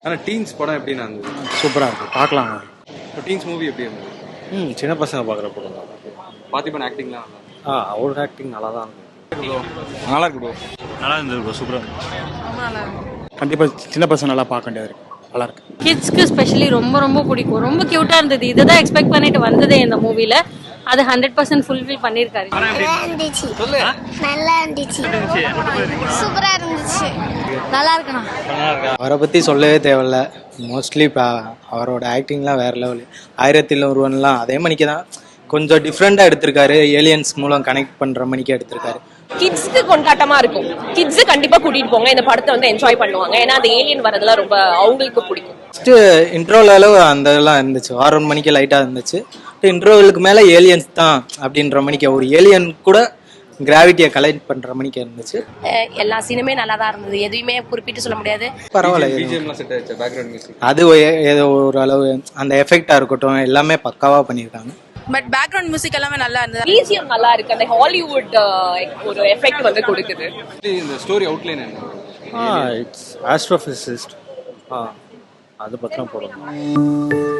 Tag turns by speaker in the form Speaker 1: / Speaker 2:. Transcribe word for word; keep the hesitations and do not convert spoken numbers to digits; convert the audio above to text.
Speaker 1: ஆனா டீன்ஸ் படம் எப்படின்னா இருந்தது?
Speaker 2: சூப்பராக இருக்குது, பார்க்கலாம்.
Speaker 1: இப்போ டீன்ஸ் மூவி எப்படி இருந்தது?
Speaker 2: ம் சின்ன பசங்க பார்க்குற படம் தான்.
Speaker 1: பார்த்திபன் ஆக்டிங்லாம் நல்லா இருந்தது.
Speaker 2: ஆ அவரோட ஆக்டிங் நல்லா தான் இருக்குது.
Speaker 1: நல்லா இருக்கு ப்ரோ.
Speaker 3: நல்லா இருந்தது ப்ரோ, சூப்பராக
Speaker 2: கண்டிப்பாக சின்ன பசங்க நல்லா பார்க்க வேண்டியது இருக்கு, நல்லா இருக்கு.
Speaker 4: கிட்ஸ்க்கு ஸ்பெஷலி ரொம்ப ரொம்ப பிடிக்கும். ரொம்ப கியூட்டா இருந்தது. இதுதான் எக்ஸ்பெக்ட் பண்ணிட்டு வந்ததே இந்த மூவில. அது ஹண்ட்ரட் பர்சன்ட் ஃபுல்ஃபில் பண்ணியிருக்காரு.
Speaker 5: நல்லா இருந்துச்சு, சூப்பரா இருந்துச்சு, நல்லா இருக்கணும்.
Speaker 6: அவரை பற்றி சொல்லவே தேவையில்ல. மோஸ்ட்லி இப்போ அவரோட ஆக்டிங்லாம் வேறு லெவலு. ஆயிரத்தில் ஒருவன்லாம் அதே மணிக்கு தான், கொஞ்சம் டிஃப்ரெண்ட்டாக எடுத்திருக்காரு. ஏலியன்ஸ் மூலம் கனெக்ட் பண்ணுற மணிக்கு எடுத்திருக்காரு.
Speaker 7: கிட்ஸ்க்கு கொண்டாட்டமா இருக்கும். கிட்ஸ் கண்டிப்பா கூட்டிட்டு போங்க, இந்த படத்தை வந்து என்ஜாய் பண்ணுவாங்க. ஏன்னா அந்த ஏலியன் வரதெல்லாம் ரொம்ப அவங்களுக்கு பிடிக்கும்.
Speaker 6: ஃபஸ்ட்டு இன்ட்ரோல அளவு அந்த இதெல்லாம் இருந்துச்சு, ஆறு மணிக்கு லைட்டாக இருந்துச்சு. இன்ட்ரோவலுக்கு மேலே ஏலியன்ஸ் தான் அப்படின்ற மணிக்கு, ஒரு ஏலியன் கூட கிராவிட்டியை கலெக்ட் பண்ற மணிக்கு இருந்துச்சு.
Speaker 7: எல்லா சீனுமே நல்லா தான் இருந்தது, எதுவுமே குறிப்பிட்டு சொல்ல முடியாது.
Speaker 6: பரவாயில்ல,
Speaker 1: பிஜிஎம்லாம் செட் ஆயிடுச்சு, பேக்ரவுண்ட் மியூசிக்
Speaker 6: அது ஏதோ ஒரு அளவு அந்த எஃபெக்டா இருக்கட்டும் எல்லாமே பக்காவா பண்ணியிருக்காங்க.
Speaker 8: பட் பேக்ரவுண்ட் மியூசிக் எல்லாமே நல்லா இருந்தது.
Speaker 7: பிஜிஎம் நல்லா இருக்கு, அந்த ஹாலிவுட் ஒரு எஃபெக்ட் வந்து கொடுக்குது.
Speaker 1: இந்த ஸ்டோரி அவுட்லைன் என்ன?
Speaker 2: ஆ இட்ஸ் ஆஸ்ட்ரோபிசிஸ்ட். ஆ அது பத்திரம் போடணும்.